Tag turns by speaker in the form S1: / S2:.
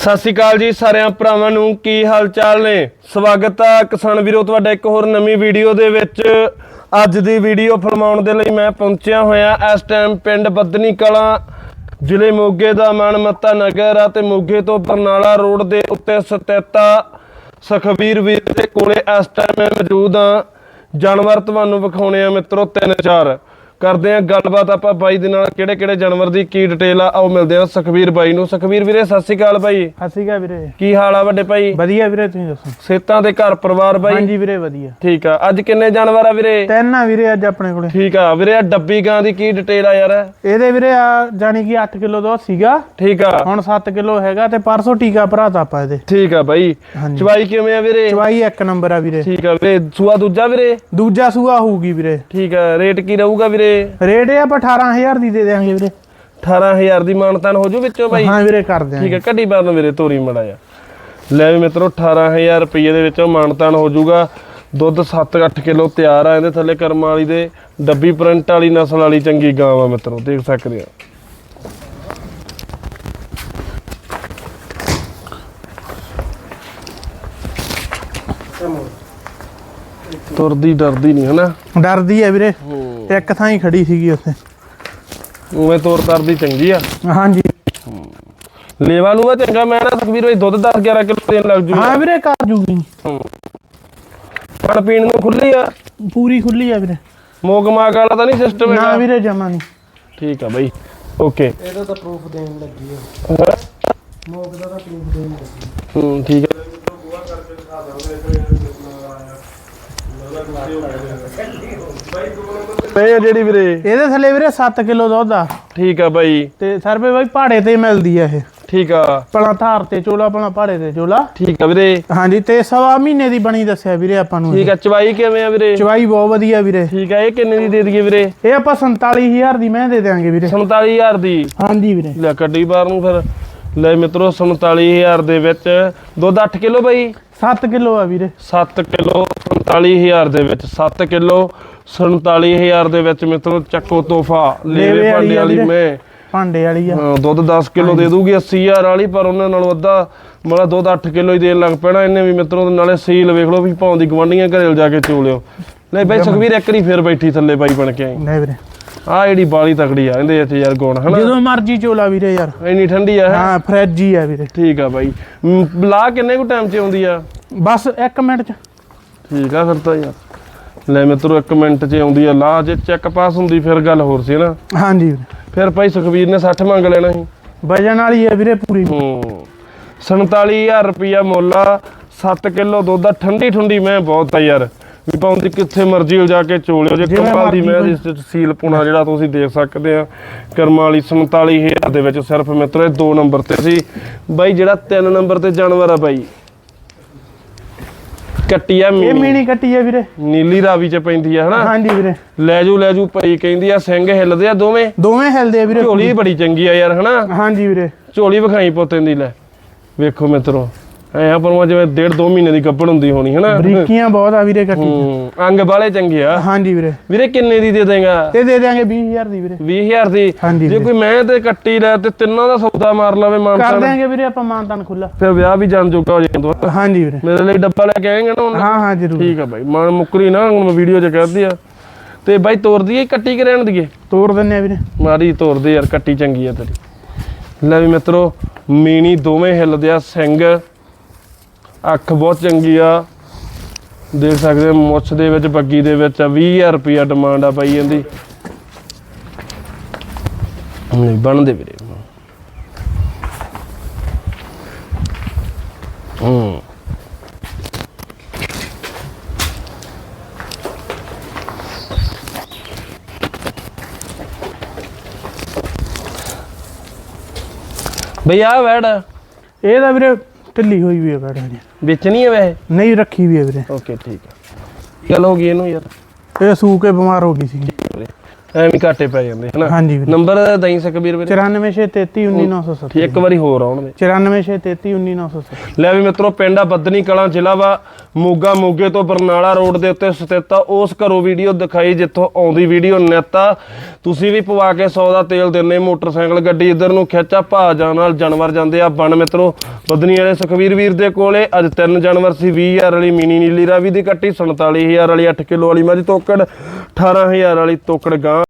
S1: ਸਤਿ ਸ਼੍ਰੀ ਅਕਾਲ ਜੀ ਸਾਰਿਆਂ ਭਰਾਵਾਂ ਨੂੰ, ਕੀ ਹਾਲ ਚਾਲ ਨੇ। ਸਵਾਗਤ ਆ ਕਿਸਾਨ ਵੀਰੋ ਤੁਹਾਡਾ ਇੱਕ ਹੋਰ ਨਵੀਂ ਵੀਡੀਓ ਦੇ ਵਿੱਚ। ਅੱਜ ਦੀ ਵੀਡੀਓ ਫਿਲਮਾਉਣ ਦੇ ਲਈ ਮੈਂ ਪਹੁੰਚਿਆ ਹੋਇਆ ਇਸ ਟਾਈਮ ਪਿੰਡ ਬੱਧਨੀ ਕਲਾਂ, ਜ਼ਿਲ੍ਹੇ ਮੋਗੇ ਦਾ ਮਾਨਮੱਤਾ ਨਗਰ ਆ ਤੇ ਮੋਗੇ ਤੋਂ ਬਰਨਾਲਾ ਰੋਡ ਦੇ ਉੱਤੇ ਸਥਿਤ ਸੁਖਬੀਰ ਵੀਰ ਦੇ ਕੋਲੇ ਇਸ ਟਾਈਮ ਮੈਂ ਮੌਜੂਦ ਆ। ਜਾਨਵਰ ਤੁਹਾਨੂੰ ਵਿਖਾਉਣੇ ਆ ਮਿੱਤਰੋ 3-4। ਕਰਦੇ ਆ ਗੱਲਬਾਤ ਆਪਾਂ ਬਾਈ ਦੇ ਨਾਲ, ਕਿਹੜੇ ਕਿਹੜੇ ਜਾਨਵਰ ਦੀ ਕੀ ਡਿਟੇਲ ਆ। ਆਓ ਮਿਲਦੇ ਆ ਸੁਖਬੀਰ ਬਾਈ ਨੂੰ। ਸੁਖਬੀਰ ਵੀਰੇ ਸਤਿ ਸ਼੍ਰੀ ਅਕਾਲ ਬਾਈ।
S2: ਸਤਿ ਸ਼੍ਰੀ ਅਕਾਲ ਵੀਰੇ,
S1: ਕੀ ਹਾਲ ਆ ਵੱਡੇ ਭਾਈ?
S2: ਵਧੀਆ ਵੀਰੇ, ਤੁਸੀਂ ਦੱਸੋ?
S1: ਸਿਹਤਾਂ ਤੇ ਘਰ ਪਰਿਵਾਰ ਬਾਈ?
S2: ਹਾਂਜੀ ਵੀਰੇ ਵਧੀਆ।
S1: ਠੀਕ ਆ। ਅੱਜ ਕਿੰਨੇ ਜਾਨਵਰ ਆ ਵੀਰੇ?
S2: 3 ਆ ਵੀਰੇ ਅੱਜ ਆਪਣੇ ਕੋਲੇ।
S1: ਠੀਕ ਆ ਵੀਰੇ। ਆ ਡੱਬੀ ਗਾਂ ਦੀ ਕੀ ਡਿਟੇਲ ਆ ਯਾਰ?
S2: ਇਹਦੇ ਵੀਰੇ ਆ ਜਾਨੀ ਕਿ 8 ਕਿਲੋ ਦੁੱਧ ਸੀਗਾ,
S1: ਠੀਕ ਆ,
S2: ਹੁਣ 7 ਕਿਲੋ ਹੈਗਾ ਤੇ ਪਰਸੋਂ ਟੀਕਾ ਭਰਾਤਾ ਆਪਾਂ ਇਹਦੇ।
S1: ਠੀਕ ਆ ਬਾਈ। ਚਵਾਈ ਕਿਵੇਂ ਆ ਵੀਰੇ?
S2: ਚਵਾਈ 1 ਨੰਬਰ ਆ ਵੀਰੇ।
S1: ਠੀਕ ਆ ਵੀਰੇ। ਸੂਆ ਦੂਜਾ ਵੀਰੇ?
S2: ਦੂਜਾ ਸੂਆ ਹੋਊਗੀ ਵੀਰੇ।
S1: ਠੀਕ ਆ। ਰੇਟ ਕੀ ਰਹੂਗਾ ਵੀਰੇ?
S2: ਰੇਟ ਇਹ ਆਪਾਂ 18000 ਦੀ ਦੇ ਦੇਾਂਗੇ ਵੀਰੇ।
S1: 18000 ਦੀ ਮਾਨਤਾਨ ਹੋ ਜੂ ਵਿੱਚੋਂ ਬਾਈ?
S2: ਹਾਂ ਵੀਰੇ ਕਰ ਦਿਆਂਗੇ।
S1: ਠੀਕ ਆ। ਕੱਢੀ ਬਾਰ ਨੂੰ ਵੀਰੇ ਤੋਰੀ ਮੜਾ ਜਾ। ਲੈ ਵੀ ਮਿੱਤਰੋ 18000 ਰੁਪਏ ਦੇ ਵਿੱਚੋਂ ਮਾਨਤਾਨ ਹੋ ਜੂਗਾ। ਦੁੱਧ 7-8 ਕਿਲੋ ਤਿਆਰ ਆ। ਇਹਦੇ ਥੱਲੇ ਕਰਮ ਵਾਲੀ ਦੇ ਡੱਬੀ ਪ੍ਰਿੰਟ ਵਾਲੀ ਨਸਲ ਵਾਲੀ ਚੰਗੀ ਗਾਂ ਆ ਮਿੱਤਰੋ, ਦੇਖ ਸਕਦੇ ਆ। ਤੁਰਦੀ ਡਰਦੀ ਨਹੀਂ ਹਨਾ?
S2: ਡਰਦੀ ਆ ਵੀਰੇ, ਇੱਕ ਥਾਂ ਹੀ ਖੜੀ ਸੀਗੀ ਉੱਥੇ।
S1: ਉਵੇਂ ਤੋਰ ਤਰਦੀ ਚੰਗੀ ਆ।
S2: ਹਾਂਜੀ
S1: ਲੇਵਾ ਲੂਆ ਚੰਗਾ। ਮੈਂ ਨਾ ਸੁਖਬੀਰ ਬਾਈ ਦੁੱਧ 10-11 ਕਿਲੋ ਦੇਣ ਲੱਗ ਜੂ।
S2: ਹਾਂ ਵੀਰੇ ਕਰ ਜੂਗੀ।
S1: ਖਾਣ ਪੀਣ ਨੂੰ ਖੁੱਲੀ ਆ?
S2: ਪੂਰੀ ਖੁੱਲੀ ਆ ਵੀਰੇ।
S1: ਮੋਗ ਮਾਗ ਵਾਲਾ ਤਾਂ ਨਹੀਂ ਸਿਸਟਮ?
S2: ਨਾ ਵੀਰੇ ਜਮਾ ਨਹੀਂ।
S1: ਠੀਕ ਆ ਬਾਈ, ਓਕੇ।
S2: ਇਹਦਾ ਤਾਂ ਪ੍ਰੂਫ ਦੇਣ ਲੱਗੀ ਆ। ਮੋਗ ਦਾ ਤਾਂ ਪ੍ਰੂਫ ਦੇਣ ਲੱਗੀ।
S1: ਠੀਕ ਆ। ਇਹ ਜਿਹੜੀ ਵੀਰੇ
S2: ਇਹਦੇ ਥੱਲੇ ਵੀਰੇ 7 ਕਿਲੋ ਦੁੱਧ ਆ।
S1: ਠੀਕ ਆ ਬਾਈ।
S2: ਤੇ ਸਰਵੇ ਬਾਈ ਪਹਾੜੇ ਤੇ ਮਿਲਦੀ ਆ ਇਹ।
S1: ਠੀਕ ਆ।
S2: ਪਲਾ ਧਾਰ ਤੇ ਚੋਲਾ, ਪਲਾ ਪਹਾੜੇ ਤੇ ਚੋਲਾ।
S1: ਠੀਕ ਆ ਵੀਰੇ।
S2: ਹਾਂਜੀ ਤੇ 1.5 ਮਹੀਨੇ ਦੀ ਬਣੀ ਦੱਸਿਆ ਵੀਰੇ ਆਪਾਂ ਨੂੰ।
S1: ਠੀਕ ਆ। ਚਵਾਈ ਕਿਵੇਂ ਆ ਵੀਰੇ?
S2: ਚਵਾਈ ਬਹੁਤ ਵਧੀਆ ਵੀਰੇ।
S1: ਠੀਕ ਆ। ਇਹ ਕਿੰਨੇ ਦੀ ਦੇ ਦਈਏ ਵੀਰੇ?
S2: ਇਹ ਆਪਾਂ 47000 ਦੀ ਮੈਂ ਦੇ ਦਿਆਂਗੇ ਵੀਰੇ।
S1: 47000 ਦੀ?
S2: ਹਾਂਜੀ ਵੀਰੇ।
S1: ਲੈ ਕੱਢੀ ਬਾਹਰ ਨੂੰ ਫਿਰ। ਲੈ ਮਿੱਤਰੋ 47000 ਦੇ ਵਿੱਚ ਦੁੱਧ 8 ਕਿਲੋ ਬਾਈ?
S2: 7 ਕਿਲੋ ਆ ਵੀਰੇ।
S1: 7 ਕਿਲੋ 47000 ਦੇ ਵਿੱਚ। 7 ਕਿਲੋ 47000 ਦੇ ਵਿੱਚ ਮਿੱਤਰੋ ਚੱਕੋ ਤੋਹਫਾ। ਲੇਵੇ ਭਾਂਡੇ ਵਾਲੀ ਮੈਂ
S2: ਭਾਂਡੇ ਵਾਲੀ ਆ।
S1: ਦੁੱਧ 10 ਕਿਲੋ ਦੇ ਦੂਗੀ 80000 ਵਾਲੀ, ਪਰ ਉਹਨਾਂ ਨਾਲੋਂ ਅੱਧਾ ਮਤਲਬ ਦੁੱਧ 8 ਕਿਲੋ ਹੀ ਦੇਣ ਲੱਗ ਪੈਣਾ ਇਹਨੇ ਵੀ ਮਿੱਤਰੋ। ਨਾਲੇ ਸੀਲ ਵੇਖ ਲਓ ਵੀ ਭਾਉਂ ਦੀ ਗਵਾਂਢੀਆਂ ਘਰੇ ਜਾ ਕੇ ਚੋਲਿਓ। ਲੈ ਬਾਈ ਸੁਖਬੀਰ ਇੱਕ ਵਾਰੀ ਫਿਰ ਬੈਠੀ ਥੱਲੇ ਬਾਈ ਬਣ ਕੇ ਆਈ।
S2: ਨਹੀਂ ਵੀਰੇ
S1: ਆ ਜਿਹੜੀ ਬਾਲੀ ਤਕੜੀ ਆ ਇਹਦੇ ਇੱਥੇ ਯਾਰ ਗੁਣ ਹਨਾ।
S2: ਜਦੋਂ ਮਰਜੀ ਚੋਲਾ ਵੀਰੇ ਯਾਰ,
S1: ਇੰਨੀ ਠੰਡੀ ਆ।
S2: ਹਾਂ ਫ੍ਰਿਜ ਹੀ ਆ ਵੀਰੇ।
S1: ਠੀਕ ਆ ਬਾਈ। ਲਾ ਕਿੰਨੇ ਕੁ ਟਾਈਮ 'ਚ ਆਉਂਦੀ ਆ?
S2: ਬਸ 1 ਮਿੰਟ ਚ।
S1: ਠੀਕ ਆ ਫਿਰ ਤਾਂ ਯਾਰ। ਲੈ ਮਿੱਤਰੋ 1 ਮਿੰਟ 'ਚ ਆਉਂਦੀ ਆ। ਲਾ ਜੇ ਚੈੱਕ ਪਾਸ ਹੁੰਦੀ ਫਿਰ ਗੱਲ ਹੋਰ ਸੀ ਨਾ।
S2: ਹਾਂਜੀ ਵੀਰੇ।
S1: ਫਿਰ ਭਾਈ ਸੁਖਬੀਰ ਨੇ 60 ਮੰਗ ਲੈਣਾ ਸੀ।
S2: ਵਜਨ ਵਾਲੀ ਆ ਵੀਰੇ ਪੂਰੀ।
S1: 47000 ਰੁਪਇਆ ਮੁੱਲ ਆ। 7 ਕਿਲੋ ਦੁੱਧ ਠੰਡੀ ਠੰਡੀ ਮੈਂ ਬਹੁਤ ਆ ਯਾਰ। ਵੀ ਪਾਉਂਦੀ ਕਿੱਥੇ ਮਰਜ਼ੀ ਹੋ ਜਾ ਕੇ ਚੋਲਿਓ। ਜੇ ਕੰਮਾਲ ਦੀ ਮੈਂ ਦੀ ਸੀਲ ਪੁਣਾ ਜਿਹੜਾ ਤੁਸੀਂ ਦੇਖ ਸਕਦੇ ਆ ਕਰਮਾਂ ਵਾਲੀ 47000 ਦੇ ਵਿੱਚ ਸਿਰਫ ਮਿੱਤਰੋ। ਇਹ 2 ਨੰਬਰ ਤੇ ਸੀ ਬਾਈ। ਜਿਹੜਾ 3 ਨੰਬਰ ਤੇ ਜਾਨਵਰ ਆ ਬਾਈ, ਕੱਟੀ ਆ
S2: ਇਹ ਮੀਣੀ ਕੱਟੀ ਆ ਵੀਰੇ,
S1: ਨੀਲੀ ਰਾਵੀ 'ਚ ਪੈਂਦੀ ਆ ਹਨਾ?
S2: ਹਾਂਜੀ ਵੀਰੇ।
S1: ਲੈ ਜੂ ਭਾਈ ਕਹਿੰਦੀ ਆ। ਸਿੰਘ ਹਿੱਲਦੇ ਆ ਦੋਵੇਂ
S2: ਹਿਲਦੇ ਆ ਵੀਰੇ।
S1: ਝੋਲੀ ਬੜੀ ਚੰਗੀ ਆ ਯਾਰ ਹਨਾ?
S2: ਹਾਂਜੀ ਵੀਰੇ।
S1: ਝੋਲੀ ਵਿਖਾਈ ਪੋਤੇ ਦੀ। ਲੈ ਵੇਖੋ ਮਿੱਤਰੋ ਐ ਪਰ ਜਿਵੇਂ 1.5-2 ਮਹੀਨੇ ਦੀ ਗੱਭਣ ਹੁੰਦੀ ਹੋਣੀ ਹਨਾ?
S2: ਬਰੀਕੀਆਂ ਬਹੁਤ ਆ ਵੀਰੇ ਕੱਟੀ।
S1: ਅੰਗ ਬਾਲੇ ਚੰਗੇ ਆ।
S2: ਹਾਂਜੀ ਵੀਰੇ।
S1: ਵੀਰੇ ਕਿੰਨੇ ਦੀ ਦੇ ਦੇਗਾ?
S2: ਤੇ ਦੇ ਦਿਆਂਗੇ 20000 ਦੀ ਵੀਰੇ।
S1: 20000 ਦੀ? ਜੇ ਕੋਈ ਮੈਂ ਤੇ ਕੱਟੀ ਲੈ ਤੇ ਤਿੰਨਾਂ ਦਾ ਸੌਦਾ ਮਾਰ ਲਵੇ ਮਾਨਤਾਨ
S2: ਕਰ ਦਿਆਂਗੇ ਵੀਰੇ ਆਪਾਂ। ਮਾਨਤਾਨ ਖੁੱਲਾ।
S1: ਫਿਰ ਵਿਆਹ ਵੀ ਜਾਣ ਜੋਗਾ ਹੋ ਜਾਂਦਾ।
S2: ਹਾਂਜੀ ਵੀਰੇ।
S1: ਮੇਰੇ ਲਈ ਡੱਬਾ ਲੈ ਕੇ ਆਏਗਾ ਨਾ?
S2: ਹਾਂ ਹਾਂ ਜ਼ਰੂਰ।
S1: ਠੀਕ ਆ ਬਾਈ। ਮਾਨ ਮੁੱਕਰੀ ਨਾ ਹੁਣ ਮੈਂ ਵੀਡੀਓ 'ਚ ਕਹਿਦੀ ਆ। ਤੇ ਬਾਈ ਤੋਰ ਦਈਏ ਕੱਟੀ ਕਿ ਰਹਿਣ ਦਈਏ?
S2: ਤੋਰ ਦਿੰਨੇ ਆ ਵੀਰੇ।
S1: ਮਾਰੀ ਤੋਰ ਦੇ ਯਾਰ, ਕੱਟੀ ਚੰਗੀ ਆ ਤੇਰੀ। ਲੈ ਵੀ ਮਿੱਤਰੋ ਮੀਣੀ ਦੋਵੇਂ ਹਿੱਲਦੇ ਆ। ਸਿੰਘ ਅੱਖ ਬਹੁਤ ਚੰਗੀ ਆ, ਦੇਖ ਸਕਦੇ ਮੁੱਛ ਦੇ ਵਿੱਚ ਬੱਗੀ ਦੇ ਵਿੱਚ ਆ। 20000 ਰੁਪਇਆ ਡਿਮਾਂਡ ਆ ਬਾਈ ਇਹਦੀ। ਨਹੀਂ ਬਣਦੇ ਵੀਰੇ। ਬਈ ਆ ਵੈੜ
S2: ਇਹ ਤਾਂ ਵੀਰੇ ਢਿੱਲੀ ਹੋਈ ਵੀ ਆ ਬੈਠ ਜੀ।
S1: ਵੇਚਣੀ ਹੈ ਵੈਸੇ?
S2: ਨਹੀਂ ਰੱਖੀ ਵੀ ਆ ਵੀਰੇ।
S1: ਓਕੇ ਠੀਕ ਆ। ਚੱਲ ਹੋ ਗਈ ਇਹਨੂੰ ਯਾਰ।
S2: ਇਹ ਸੂ ਕੇ ਬਿਮਾਰ ਹੋ ਗਈ ਸੀ।
S1: ਐਵੇਂ ਘਾਟੇ ਪੈ ਜਾਂਦੇ ਹਨਾ।
S2: ਹਾਂਜੀ ਵੀਰੇ।
S1: ਨੰਬਰ ਦਈ ਸਕਬੀਰ ਵੀਰੇ।
S2: 9463199970
S1: ਇੱਕ ਵਾਰੀ ਹੋਰ ਆਉਣ ਦੇ।
S2: 9463199970
S1: ਲੈ ਵੀ ਮਿੱਤਰੋ, ਪਿੰਡ ਆ ਬੱਧਨੀ ਕਲਾਂ, ਜ਼ਿਲ੍ਹਾ ਵਾ ਮੋਗਾ। ਮੋਗੇ ਤੋਂ ਬਰਨਾਲਾ ਰੋਡ ਦੇ ਉੱਤੇ ਸਥਿਤ ਆ। ਉਸ ਘਰੋਂ ਵੀਡੀਓ ਦਿਖਾਈ ਜਿੱਥੋਂ ਆਉਂਦੀ ਵੀਡੀਓ ਨਿੱਤ ਆ। ਤੁਸੀਂ ਵੀ ਪਵਾ ਕੇ 100 ਦਾ ਤੇਲ ਦਿੰਦੇ, ਮੋਟਰਸਾਈਕਲ ਗੱਡੀ ਇੱਧਰ ਨੂੰ ਖਿੱਚਾ ਭਾਜਾਂ ਨਾਲ ਜਾਨਵਰ ਜਾਂਦੇ ਆ ਬਣ ਮਿੱਤਰੋ। ਬੱਧਨੀ ਵਾਲੇ ਸੁਖਵੀਰ ਵੀਰ ਦੇ ਕੋਲੇ ਅੱਜ 3 ਜਾਨਵਰ ਸੀ। 20,000 ਵਾਲੀ ਮਿਨੀ ਨੀਲੀ ਰਾਵੀ ਦੀ ਕੱਟੀ, 47,000 ਵਾਲੀ 8 ਕਿਲੋ ਵਾਲੀ ਮੱਝ ਤੋਕੜ, 18,000 ਵਾਲੀ ਤੋਕੜ ਗਾਂ